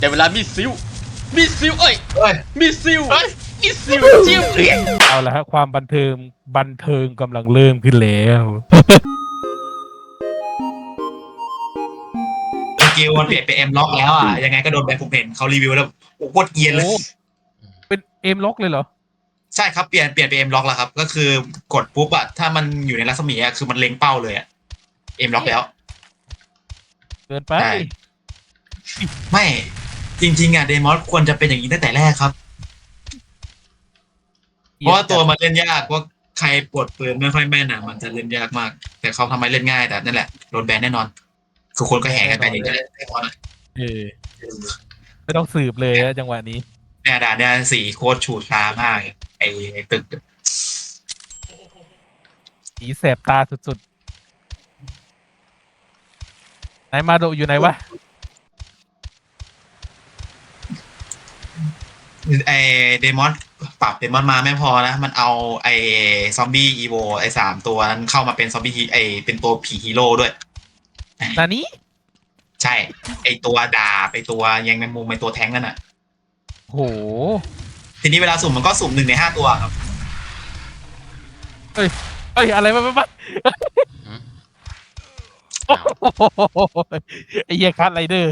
แต่เวลามีซิวเอ้ยมีซิวจิ้มเอาละฮะความบันเทิงกำลังเริ่มขึ้นแล้วสกิลมันเปลี่ยนเป็นเอ็มล็อกแล้วอ่ะยังไงก็โดนแบนผมเห็นเขารีวิวแล้วโอ้โคตรเกรียนเลยโอ้เป็นเอมล็อกเลยเหรอใช่ครับเปลี่ยนเป็นเอ็มล็อกแล้วครับก็คือกดปุ๊บอ่ะถ้ามันอยู่ในรัศมีอ่ะคือมันเล็งเป้าเลยอ่ะเอ็มล็อกแล้วเกินไปใช่ไม่จริงๆอ่ะเดมอสควรจะเป็นอย่างนี้ตั้งแต่แรกครับเพราะว่าตัวมันเล่นยากว่าใครปวดปืนไม่ค่อยแม่นอ่ะมันจะเล่นยากมาก แต่เขาทำให้เล่นง่ายแต่นั่นแหละโดนแบนแน่นอนคือคนก็แห่กันไปอย่างนี้แหละแน่นอนอะเออไม่ต้องสืบเลยนะจังหวะนี้เนี่ยด่านเนี่ยสีโคตรฉูดช้ามากไอ้ตึกสีแสบตาสุดๆไหนมาโดอยู่ไหนวะไอเดมอนปรับเดมอนมาไม่พอนะมันเอาไอซอมบี้อีโวไอ3 ตัวนั้นเข้ามาเป็นซอมบี้ไอเป็นตัวผีฮีโร่ด้วยนานี้ใช่ ไอตัวดาบไอตัวยังแมงมุมไอตัวแท้งนั่นน่ะโหทีนี้เวลาสุ่มมันก็สุ่ม1 ใน 5 ตัวครับเอ้ยอะไรมาโอ้โหไอ้เหี้ยคัสไรเดอร์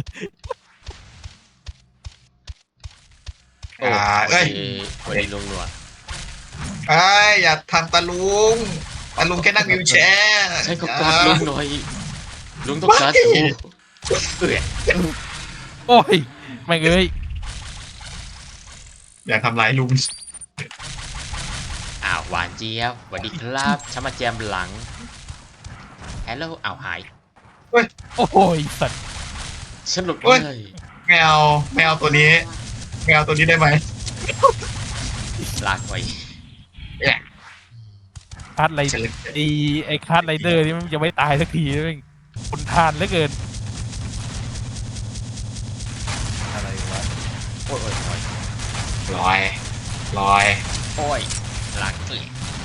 โอ้เอ้ยวันนี้ลุงหนวดเอ้ยอย่าทำตาลุงแค่นั่งวิวแชร์ใช่ก็กอดลุงหน่อยลุงต้องการดูเอ้ยโอ้ยแม่งเอ้ยอย่าทำร้ายลุงอ้าวหวานเจี๊ยบสวัสดีครับฉันมาแจมหลังฮัลโหลอ้าวหายโอ้ยสัตว์ฉันหลุดเลยแมวตัวนี้ได้ไหมลากไปคัสไรฉันเลยไอ้คัสไรเดอร์นี่มันยังไม่ตายสักทีแม่งคนทานเหลือเกินอะไรวะโอ้ยลอยโอ้ยลากเอ้ย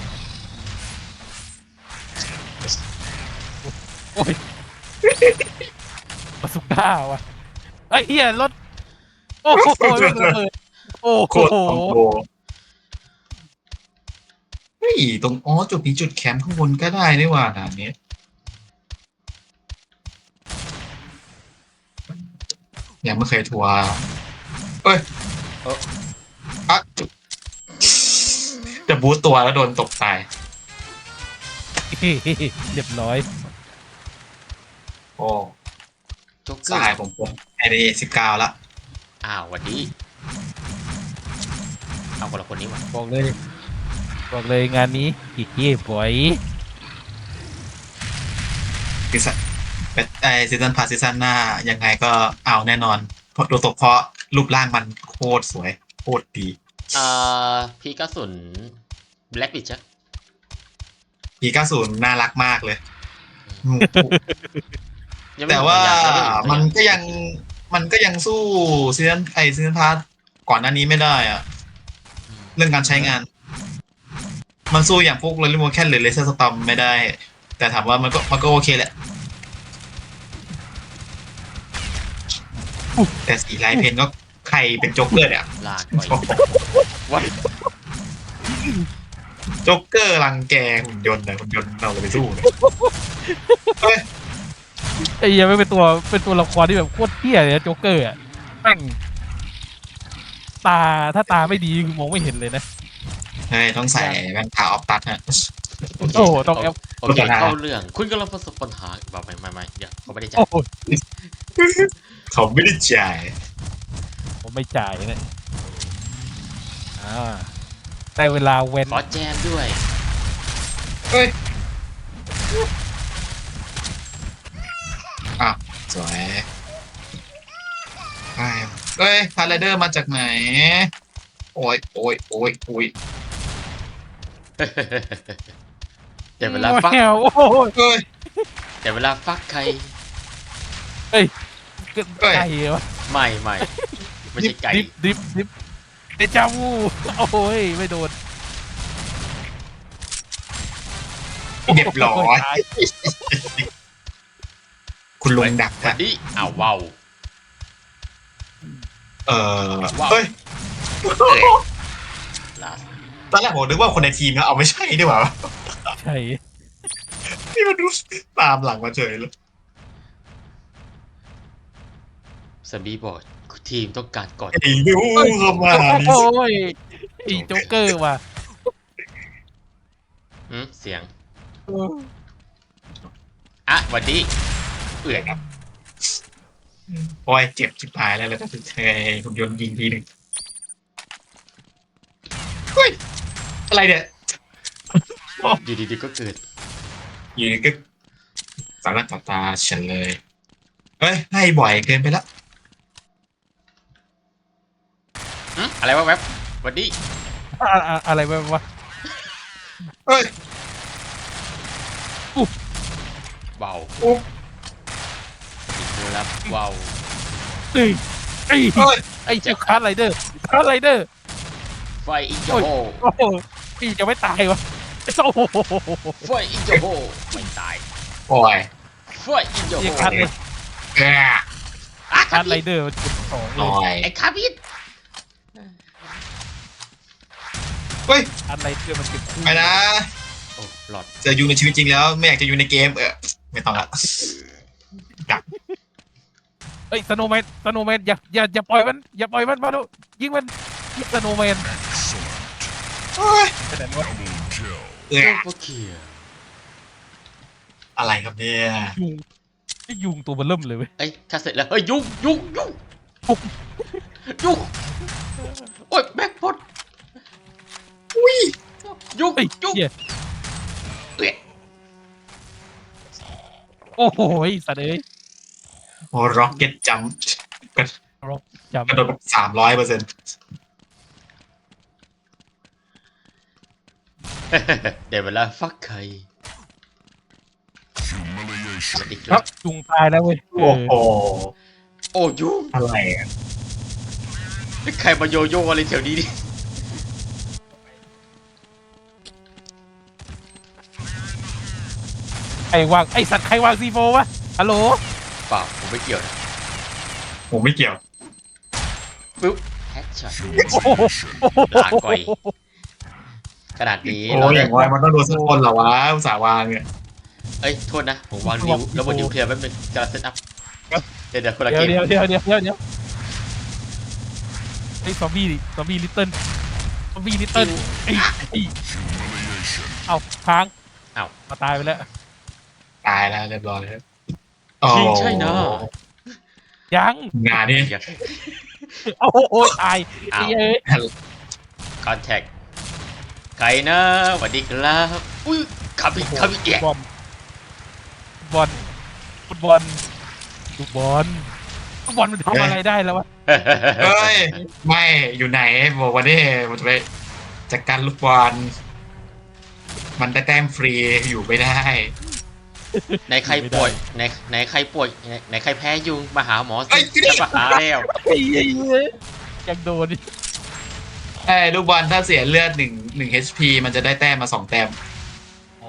โอ้ยมาสุก้าวะไอ้เหี้ยรถโอ้โหระเบิดโอ้โคโหตรคอมโบเฮ้ยตรงจุดนี้จุดแคมป์ข้างบนก็ได้นี่หว่าด่านนี้ยังไม่เคยทัวร์เอ้ยอะจะบูตตัวแล้วโดนตกตายเรียบร้อยโอ้โจ๊กเกสอหายร์ผมไอเด19ละอ้าวหวันดีเอาคนละคนนี้วะบอกเลยงานนี้อีกเย่บอยซีซั่นไอซีซั่นพาซีซั่นหน้ายังไงก็เอาแน่นอนเพราะโดยเฉพาะรูปร่างมันโคตรสวยโคตรดีพี่กระสุนแบล็กบิชปี90น่ารักมากเลยยังไม่แต่ว่าหดมันก็ยังสู้ซีซั่นพาร์ทก่อนหน้านี้ไม่ได้อะเรื่องการใช้งาน มันสู้อย่างพวกเรลิโมแคนหรือเลเซอร์สตอมไม่ได้ แต่ถามว่ามันก็โอเคแหละแต่สีลายเพนก็ใครเป็นโจ๊กเกอร์เนี่ยลากไปวัดโจ๊กเกอร์รังแกหุ่นยนต์นะหุ่นยนต์เราไปสู้เนี่ยเฮ้ยไอ้เหี้ยไม่เป็นตัวละครที่แบบโคตรเที่ยเลยนะโจ๊กเกอร์อะแม่งถ้าตาไม่ดีคือมองไม่เห็นเลยนะเฮ้ยต้องใส่แว่นตาออฟตัดฮะโอ้โหต้องแอปโอเคเข้าเรื่องคุณกำลังประสบปัญหาแบบไม่เดี๋ยวเขาไม่ได้จ่ายโอ้โหเขาไม่ได้จ่ายผมไม่จ่ายนะได้เวลาเว้นขอแจมด้วยเฮ้ยอ่ะสวยเฮ้ยพาราเดอร์มาจากไหน โอ้ยแต่เวลาฟักแมวโอ้โหเฮ้ยแต่เวลาฟักใครไก่เหรอไม่ใช่ไก่ดิบเดจาวูโอ้ยไม่โดนเรียบร้อยคุณลุงดักวันะนนี้อ้าวว้าวเออว้าวเฮ้ยลาสตอนแรกผมนึกว่าคนในทีมนะเอาไม่ใช่ดีกว่าใช่นี่มันดูตามหลังมาเฉยเลยสบีบอกทีมต้องการกอดไอ้ดูเข้ามาโอ้ยไอ้โจ๊กเกอร์ว่ะเสียงอ่ะหวันดีเอื่อยโอ้ยเจ็บชิบหายแล้วเลยถ้าถึงเธอผมโยนยิงทีหนึ่งเฮ้ยอะไรเนี่ยอยู่ดีๆก็เกิดอยู่ดีก็สารต่อตาฉันเลยเฮ้ยให้บ่อยเกินไปแล้วอะไรวะแวบหวันดีอะไรวะเฮ้ยเบาโอ้อีกแล้วเบาเฮ้ยไอ้เฮ้ยไอ้เจ้าคาร์ไรเดอร์ไฟอีกโจโฮโอ้โหพี่จะไม่ตายวะโอ้โหไฟอีกโจโฮไม่ตายโอ้ยไฟอีกโจไอ้โฮคาร์แกคาร์ไรเดอร์มันจุดสองเลโอ้ยยไอ้คาบิดเฮ้ยคาร์ไรเดอร์มันจุดคู่ไปนะโอ้หลอดจะอยู่ในชีวิตจริงแล้วไม่อยากจะอยู่ในเกมไม่ต้องละดักเฮ้ยสโนว์แมนอย่าปล่อยมันมาดูยิงมันยิงสโนว์แมนเฮ้ยไปไหนวะโอเคอะไรครับเนี่ยยุงไอ้ยุงตัวมันเริ่มเลยเว้ยเอ้ยข้าเสร็จแล้วเฮ้ยยุ่งโอ้ยแบ็คพอดอุ้ยยุ่งเฮ้ยยุ่งเหี้ยเอ้ยโอ้โหสัตว์เอ้ยโอ้ร็อกเก็ตจัมป์จำกระโดดแบบ300% เดี๋ยวเวลาฟักใครสวัสดีคครัรับบยุงตายแล้วเว้ยโอ้โหโอ้ยุ่งอะไรอ่ะนี่ใครมาโยโย่อะไรแถวนี้ดิใครวางไอสัตว์ใครวางซีโฟวะฮัลโหลเปล่าผมไม่เกี่ยวนะผมไม่เกี่ยวปึ๊บแฮชช็อตโอ้โหลาก่อย ขนาดนี้โอ้เรายอได้ย่างว่ามันต้องโดนสักคนเหรอวะอุตส่าห์วางเนี่ยเอ้ยโทษนะผมวางนิ้วแล้วบนนิ้วเทียมแป๊บนึงกำลังเซตอัพเดี๋ยวคนละเดี๋เกยวมเดี๋ยวไอ้ซอมบี้ลิตเติ้ลไอ้เอาค้างอ้าวมาตายไปแล้วตายแล้วเรียบร้อยแล้วจริงใช่นะยังงานนี้โอ้ยตายไอ้เอ้ยคอนแทคใครนะสวัสดีครับอุ้ยขับอีกแย่ฟุตบอลมันทำอะไรได้แล้ววะเฮ้ย ไม่อยู่ไหนบอกวันนี้ผมจะไปจัดการลูกบอลมันได้แต้มฟรีอยู่ไม่ได้ในใครป่วยในใครป่วยในใครแพ้ยุงมาหาหมอสิเอ้ยจะมาหาแล้วไอ้เอ้ยยังโดนดิไอ้ลูกบอลถ้าเสียเลือดหนึ่ง HP มันจะได้แต้มมา2 แต้มอ๋อ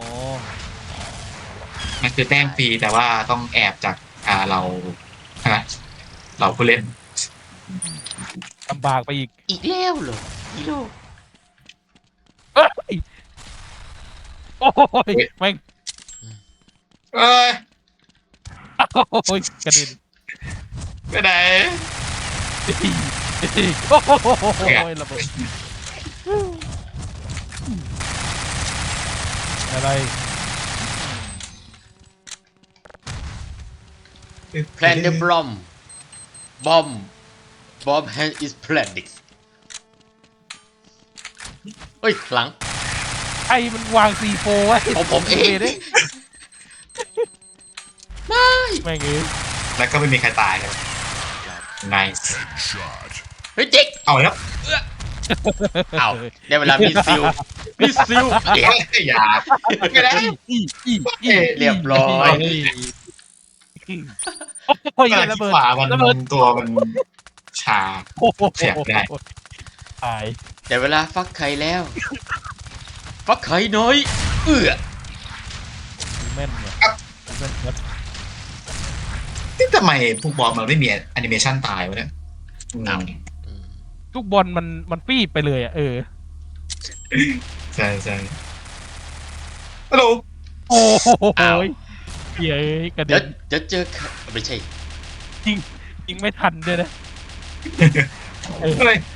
มันคือแต้มฟรีแต่ว่าต้องแอบจากเราผู้เล่นลำบากไปอีกอีกแล้วเหรออีโลเอ้ยโอ้ยแม่งเอ้ยโอ้ยกระเด็นไปไหนโอ้ยระเบิดอะไรแพลนเดบอมแฮนด์อิสแพลนดิกเฮ้ยหลังไอ้มันวางซีโฟไว้ของผมเองด้ไม่แม่งเอ้ยแล้วก็ไม่มีใครตายเลย nice เฮ้ยเจ๊กเอาแล้วเอาได้เวลามีซิลเอ๊ะอย่าไม่ได้เรียบร้อยโอ้ยขณะระที่เบิดขวามันระเบิดตัวมันชาโอ้โหเสียบได้ตายได้เวลาฟักไข่แล้ว ฟักไข่น้อยแม่นเนี่ยแม่นครับที่ทำไมพวกบอลมันไม่มีแอนิเมชันตายวะเนี่ยอ้าวลูกบอลมันปี้ไปเลยอ่ะใช่ใช่ฮัลโหลโอ้โหอ้าวเหี้ยกระเดี๋เด็ยวน เจอไม่ใช่ยิงไม่ทันด้วยนะเฮ้ย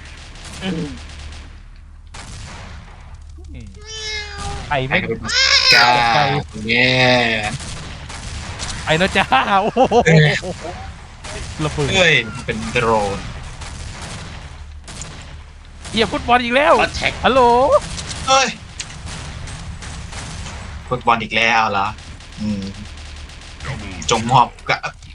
ไอ้ไก่ไม่กระโดดกาแง่ไอ้แล้วจ้าโอ้โหระเบิดเฮ้ยเป็นโดรนเหยียบฟุตบอลอีกแล้วก็แท็กฮัลโหลเฮ้ยฟุตบอลอีกแล้วเหรอจงมอบกับ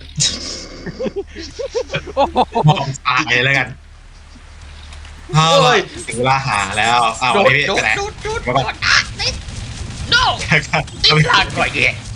โอ้โหมอบตายแล้วกันเฮ้ยถึงเวลาหาแล้วอ้าวโดดนี่โดดไหนโดดโดดโดดติดโน่ติดลากก่อยเงี้ย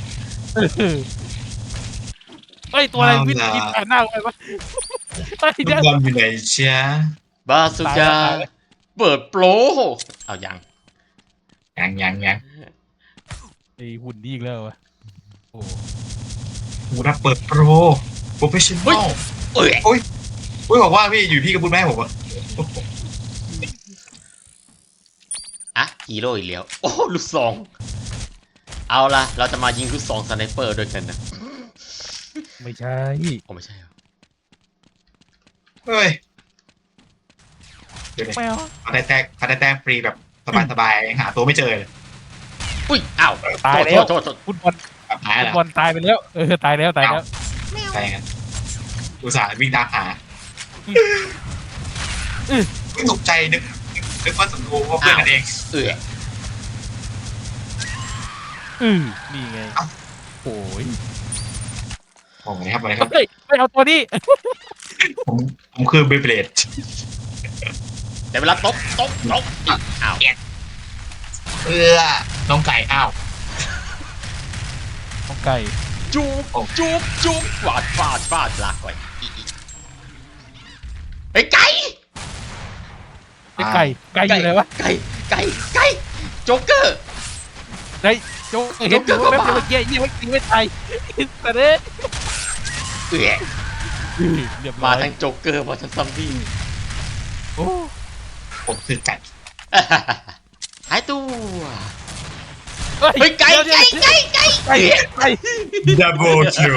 เฮ้ยตัวอะไรวิ่งผ่านหน้าไปวะเฮ้ยฟุเดี๋ตยวบอลอยู่ไหนเชียบาสุกาเปิดโปรเอายังยังไอ้หุ่นดีอีกแล้ววะโอ้หูรับเปิดโปรโปรเฟชชั่นอลเอ้ยอุ้ยบอกว่าพี่อยู่พี่ก็พูดแม่ผมว่าอ่ะฮีโร่อีกแล้วโอ้ลูกซองเอาละเราจะมายิงลูกซองสไนเปอร์ด้วยกันนะไม่ใช่โอ้ไม่ใช่เหรอเฮ้ยเดี๋ยวแมวพาได้แต้มฟรีแบบสบายๆหาตัวไม่เจอเลยอุ้ยอ้าวตายแล้วโทษฟุตบอลแบบหายฟุแล้ตวบอลตายไปแล้วตายแล้วตายแล้วใช่กันอุตส่าห์วิ่งตามหาตกใจนึกว่าศัตรูว่าเพื่อนกันเองเอ้ยนี่ไงเอ้าโอ้ยผมนะครับอะไรครับเฮ้ยไม่เอาตัวนี้ผมคือเบเบเลดแต่เวลาตบอ้าวน้องไก่อ้าวของไก่จุ๊บฟาดลากก่อยอีไอ้ไก่ไก่อยู่ไหนวะไก่โจ๊กเกอร์ไก่โจ๊กเห็นอยู่แป๊บเดียวเมื่อกี้ยังไม่ตายแต่เด้เอ้ยเรียบร้มาอยทั้งโจ๊กเกอร์มาทั้งซอมบี้โอ้ผมคือไก่หายตัวเฮ้เฮ้ยไก่ไก่ดับเบิลคิว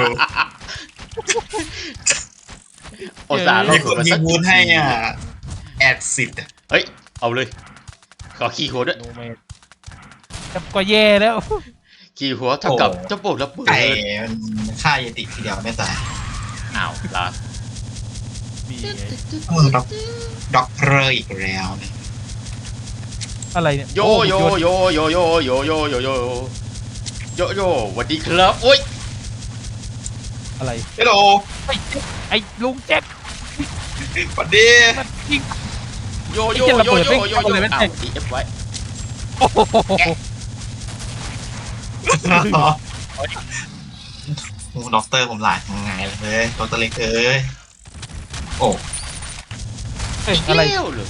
โอซาห์มีเราคนมามีสักมูลให้อ่ะแอดสิทธิ์เฮ้ยเอาเลยขอขี่หัวด้วยโนแมนจับก็แย่แล้วขี่หัวเท่ากับเจ้าโบกระเบิไก่ดมันฆ่ายติทีเดียวไม่ตายอ้าวลานี่ไงด็อกเตอร์อีกแล้วเนี่ยอะไรเนี่ยโยสวัสดีครับโอ้ยอะไรฮัลโหลไอ้ลุงแจ็คสวัสดีมันยิงโยอ้าวดีเอฟไว้โอ้โหโอ้ด็อกเตอร์ผมหลายไงเลยด็อกเตอร์เล็กเอ้ยโอ้เอ้ยอะไรเลี้ยวเลย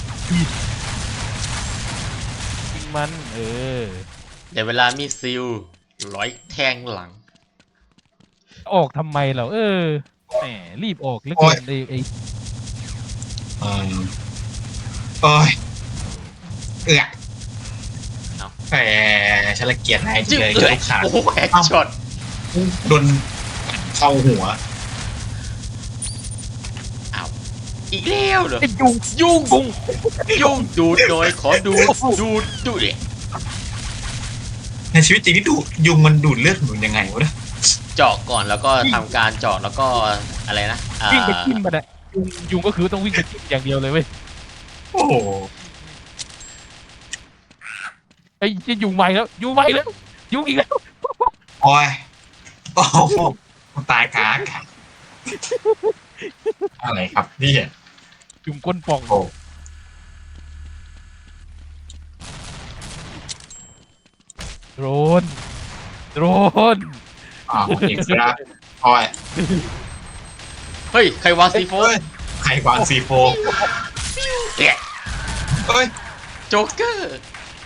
ยิงมันเดี๋ยวเวลามีซิลร้อยแทงหลังออกทำไมเราแหมรีบออกเหลือเกินไอ้โอ้ยแต่ฉันละเกียดนายจริจึ๊งบเลยเลยลูกขาโอ้โหแฮกช็อตโดนเข้าหัวอ้าวอีกแล้วเหรอไอ้ยุงยุ่งดูดหน่อยขอดูดิในชีวิตจริงที่ดูยุงมันดูดเลือดหนุนยังไงวะเนี่ยเจาะก่อนแล้วก็ทำการเจาะแล้วก็อะไรนะวิ่งไปจิ้มมันอะยุงก็คือต้องวิ่งไปจิ้มอย่างเดียวเลยเว้ยโอ้โหไอ้จะยุงใหม่แล้วยุงอีกแล้วโอ้ยโอ้โหตายกากอะไรครับนี่ยุงก้นป่องโอ้โดนโอเคครับโอ้ยเฮ้ยใครวางซีโฟเฮ้ยใครวางซีโฟเนี่ยเฮ้ยโจ๊กเกอร์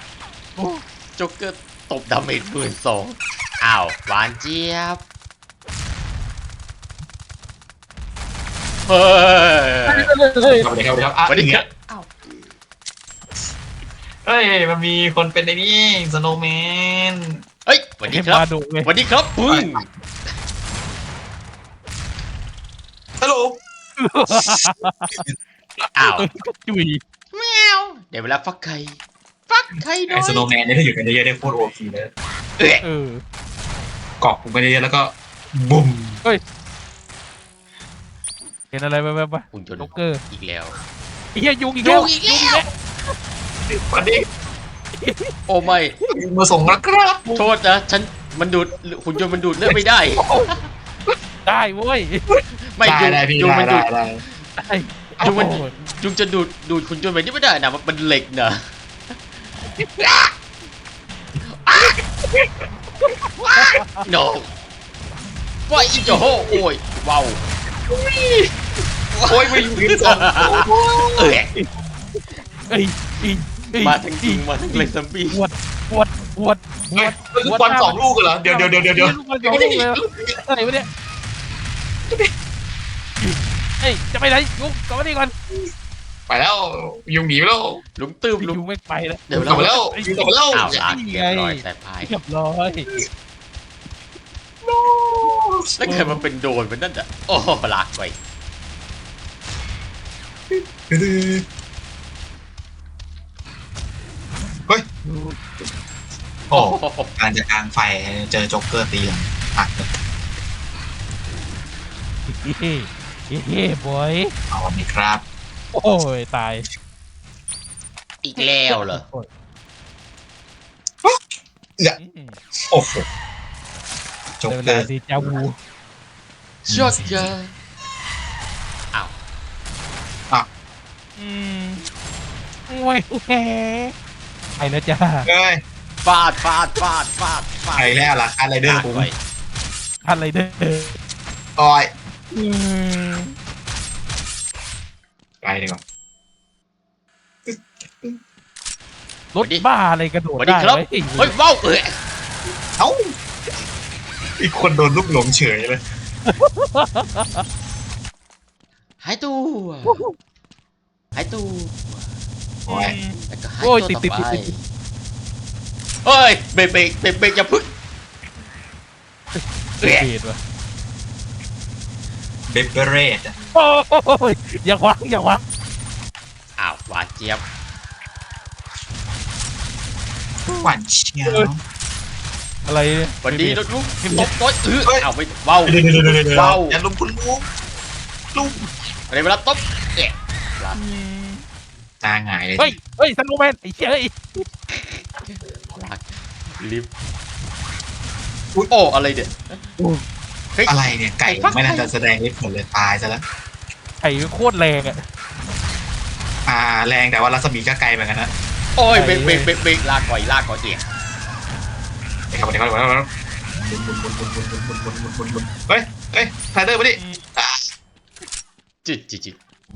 ตบดาเมจ12,000อ้าวหวานเจี๊ยบเฮ้ยเข้าไปเลยครับอ่ะสวัสดีเนี่ครัยบอ้าวเฮ้ยมันมีคนเป็นไอ้นี่สโนว์แมนเฮ้ยสวัสดีครับมาดูเลยสวัสดีครับปึ้งฮัลโหลอ้าวจุยแมวเดี๋ยวเวลาฟักไข่ฟักไข่หน่ไอ้อยสโนว์แมนเนี่ยถ้าอยู่กันเยอะๆได้โคตรโอพีเลยเอ๊ะเออเกาะกูกันเยอะๆแล้วก็บุ้มเห็นอะไรไปหุ่นยนต์โจ๊กเกอร์อีกแล้วไอ้เหี้ยยุงอีกแล้วยุงอีกแล้ววันนี้โอ้ไม่มาส่งแล้วครับโทษนะฉันมันดูดหุ่นยนต์มันดูดเลือดไม่ได้ได้เว้ยไม่ได้ยุงได้พี่ยุงมันได้ดูดได้ได้ยุงมันโอ้โหยุงจะดูดหุ่นยนต์แบบนี้ไม่ได้นะมันเหล็กนะ no ว่าอีโจโหโอ้ยว้าวโอ้ยไม่อยู่ยืนสองเอ้ยเอ้ยอีเอ้ยมาทั้งจริงมาทั้งเลยซัมบี้ปวดปวดปวดปเฮ้วย ดลูกบอลสองลูกเหรอเดี๋ยวลูกบอลสองลูกเลยอะไรวะเนี่ยเฮ้ยจะไปไหนยุงกลับมานี่ก่อนไปแล้วยุงหนีไปแล้วลุมตื้มลุมยุงไม่ไปแล้วเดี๋ยวกลับมาแล้วยุงกลับมาแล้วอ้าวลากเรียบร้อยสายพายเรียบร้อยแล้วเกิดมันเป็นโดนมันนั่นอ่ะโอ้ลากไปเฮ้ยโอ้โอ้โหการจะกลางไฟเจอโจ๊กเกอร์ตีหลังหักเลยเฮ้เฮ้บอยเอาอันนี้ครับโอ้ยตายอีกแล้วเหรอโอ้โหโจ๊กเวเกอลาร์ที่เจ้าวูช็อตเจออ้าวโอ้ยแหไปแล้วจ้าเฮ้ยฟาดฟาดฟาดฟาดฟาดใครแล้วล่ะอะไรเดอร์ลากผมไปอะไรเด้อต่อยอืมไปดีกว่ารถบ้าอะไรกระโดสดวัสดีได้ครับไว้เฮ้ยว้าวเอ้ยเอ้าอีกคนโดนลูกหลงเฉยเลยหายตัวหายตัวโอ้ยแล้วก็หายโอ้ยตัวติดต่อติดไปติดเฮ้ยเบรกเบรกเบรกเบรกอย่าพึ่งเอ้ยเบรดว่ะเบเบเรตโอ้ยอย่าขวางอย่าขวางอ้าวหวานเจี๊ยบหวานเชียวอะไรเนี่ยวันดีรถลุกตบต้อยเฮ้ยอ้าวไม่ว้าวเดี๋ยวว้าวอย่าลุมคุณลุงลุงอะไรเวลาตบเอ๊ะตาหงายเลยเฮ้ยเฮ้ยสโนว์แมนไอ้เจ้ยลากลิฟต์โอ้อะไรเด็ดเฮ้ยอะไรเนี่ยไก่ฟักไม่น่าไข่จะแสดงฤทธิ์ผลเลยตายซะแล้วไอ้โคตรแรงอ่ะแรงแต่ว่ารัศมีก็ไกลเหมือนกันนะโอ้ยเบรกเบรกเบรกเบรกลากก่อยลากก่อยเอ๊ะเดี๋ยวครับเฮ้ยไทเดอร์มาดิจิตจิตจิต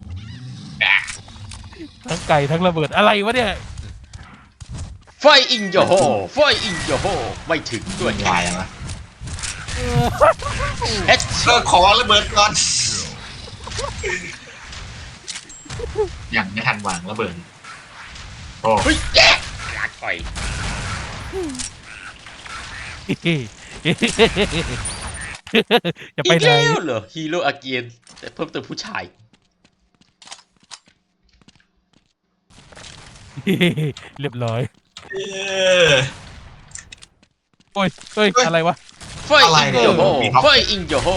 ทั้งไก่ทั้งระเบิดอะไรวะเนี่ยไฟอิงโยโฮไฟอิงโยโฮไม่ถึงด้วยตายแล้วนะเฮ็ดขอระเบิดก่อนยังไม่ทันวางระเบิดโอ้เฮ้ยแย่ลากก่อยจะอีไปกไหนแล้วเหรอฮีโร่อาเกียนแต่เพิ่มเติมผู้ชายเรียบร้อยเออโอ้ยเฮ้ยอะไรวะไฟอิงโยโฮไฟอิงโยโฮ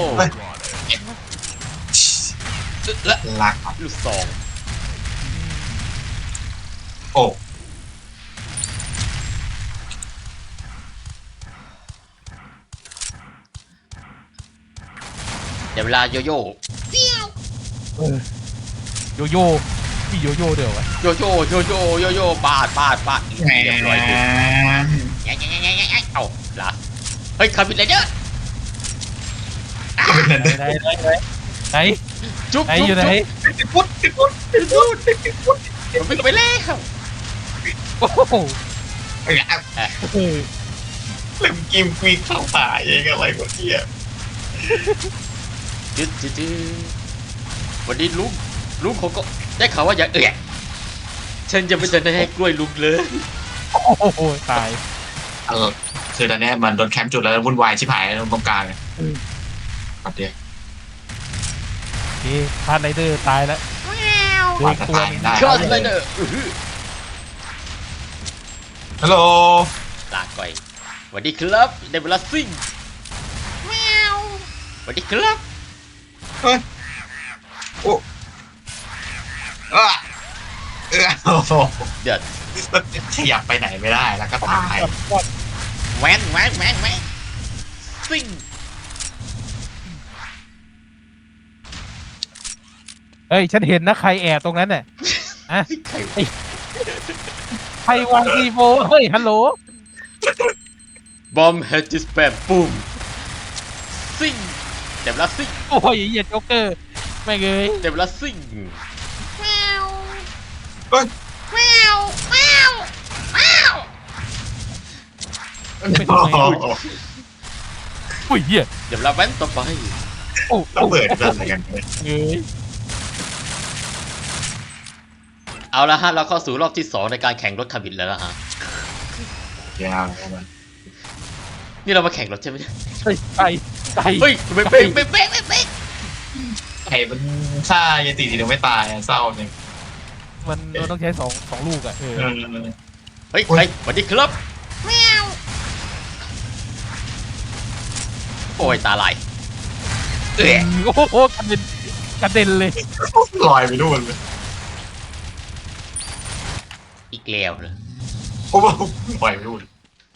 และลักลูกซองโอ้เดี๋ยวเวลาโยโย่โยโย่พี่โยโย่เดี๋ยววะโยโย่โยโย่โยโย่ปาดปาดปาดแหมเรียบร้อยดิแง่แง่แง่แง่แง่เอ้าลาเฮ้ยคาบินเลยเด้อก็เป็นนั่นไหนไหนไหนไหนจุ๊บไหนจุ๊บอยู่ไหนจุ๊บพุทธมันวิ่งไปแล้วโอ้โหไอ้เนี่ยเล่มกิมมีเข้าป่าเองอะไรวะเนี่ยจุ๊บจุ๊บจุ๊บวันนี้ลุงเขาก็ได้ข่าวว่าอย่าฉันจะไม่ทันได้ให้กล้วยลุงเลยโอ้โหตายคือตอนเนี้ยมันโดนแคมป์จุดแล้ววุ่นวายชิบหายตรงกลางเลยปัดเดียวโอเคพาร์ทไรเดอร์ตายแล้วโดนตัวหนึ่งได้ชอตเลยเนอะฮัลโหลลาก่อยสวัสดีครับได้เวลาซิ่งแมวสวัสดีครับเฮ้ยโอ้โอ้โหเดือดขยับไปไหนไม่ได้แล้วก็ตายแหวนซิ่งเฮ้ยฉันเห็นนะใครแอบตรงนั้นน่ะอะใครใครวางซีโฟเฮ้ยฮัลโหลบอมเฮจิสแปมปุ้มซิ่งได้เวลาซิ่งโอ้ยเหยียดโจ๊กเกอร์ไม่งเงยได้เวลาซิ่งเฮ้ยอุ้ยเหี้ยเดี๋ยวเราแว้นต่อไปโอ้ระเบิดกันอะไรกันเนี่ยเงยเอาละฮะเราเข้าสู่รอบที่ 2ในการแข่งรถคาบินแล้วนะฮะยาวประมาณนี่เรามาแข่งรถใช่ไหมเนี่ยเฮ้ยไปเฮ้ยเป๊ะไอ้มันฆ่ายายตีทีเดียวไม่ตายเศร้าจริงมันต้องใช้สองลูกอ่ะเออเฮ้ยสวัสดีครับแมวโอ้ยตาลายโอ้โหกระเด็นเลยลอยไปนู่นเลยอีกแล้วเลยโอ้โหลอยไปนู่น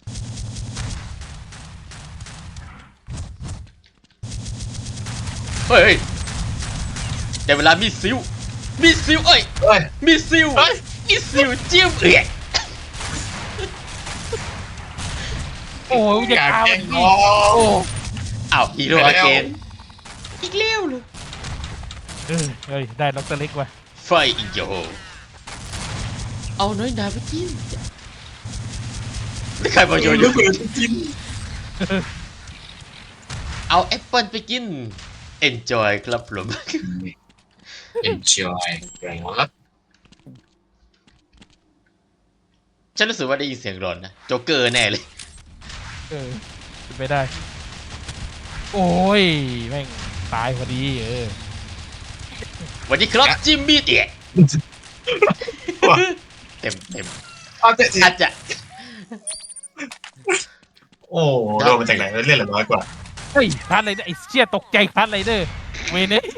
เฮ้ยแต่เวลามีซิวเอ้ยเฮ้ยมีซิวจิ้มโอ้ยจะการกาวแข่งมันน้องโอ้อ้าวฮีโร่อาเกนอีกแล้วเลยเฮ้ยได้ล็อกเตอร์เล็กว่ะไฟอีกโยเอาน้อยนาไปจิ้มใครมาโยนระเบิดกินเอาแอปเปิลไปกิน enjoy ครับผม enjoy ครับฉันรู้สึกว่าได้ยินเสียงร้อนนะโจ๊กเกอร์แน่เลยเป็นไปได้ โอ้ยแม่งตายพอดีสวัสดีครับจิมมี่เตี่ยเต็มเอาเตะอาจจะโอ้โดนมาจากไหนเล่นเหลือน้อยกว่าเฮ้ยพาร์ทไรเดอร์ไอ้เชี่ยตกใจพาร์ทไรเดอร์เวเน่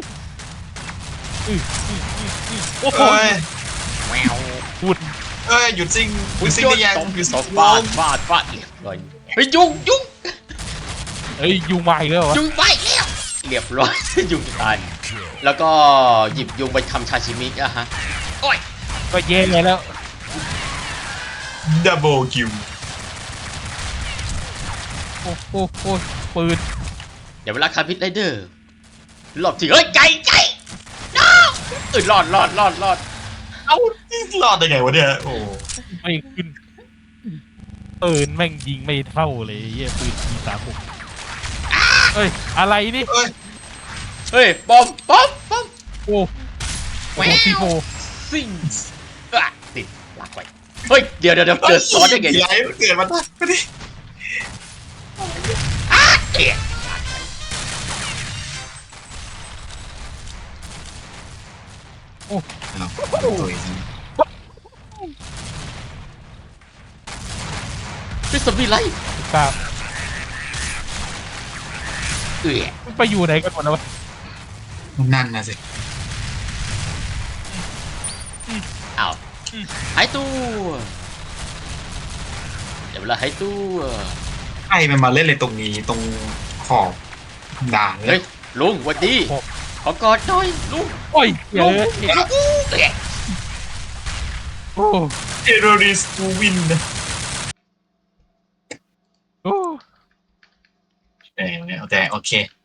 โอ้โหเอ้ยแมวพูดเอ้ยหยุดซิงหยุดซิงได้ยังหยุดซิงฟาดเรียบร้อยเฮ้ยยุงเฮ้ยยูมาอีกแล้ววะยุงไปแล้วเรียบร้อย ยุงตายแล้วก็หยิบยุงไปทำชาชิมิอะฮะโอ้ยก็แย่แล้วดับเบิลคิวโอ้โหปืนเดี๋ยวเวลาคาพิทไรเดอร์รอบที่เฮ้ยไก่ no รอดเอ้ารอดได้ไงวะเนี่ยโอ้ไม่ขึ้นปืนแม่งยิงไม่เท่าเลยเยี่ยปืนP36เฮ้ยอะไรนี่เอ้ยเฮ้ยปอมโอ้โหซีโฟซิงติดลากไปเฮ้ยเดี๋ยวเจอซอสได้ไงไหลเกิดมาได้ไม่ได้เกียพิสบีไลท์กล้ามันไปอยู่ไหนกันหมดแล้ววะนั่นนะสิอ้าวหายตัวเดี๋ยวเวลาหายตัวใครมันมาเล่นเลยตรงนี้ตรงขอบด่านเลเฮ้ยยลุงสวัสดีขอกอดหน่อยลุงโอ้ยเยลุงอะ โอ้เทโรริสตูวินนะโอ้แต่โอเค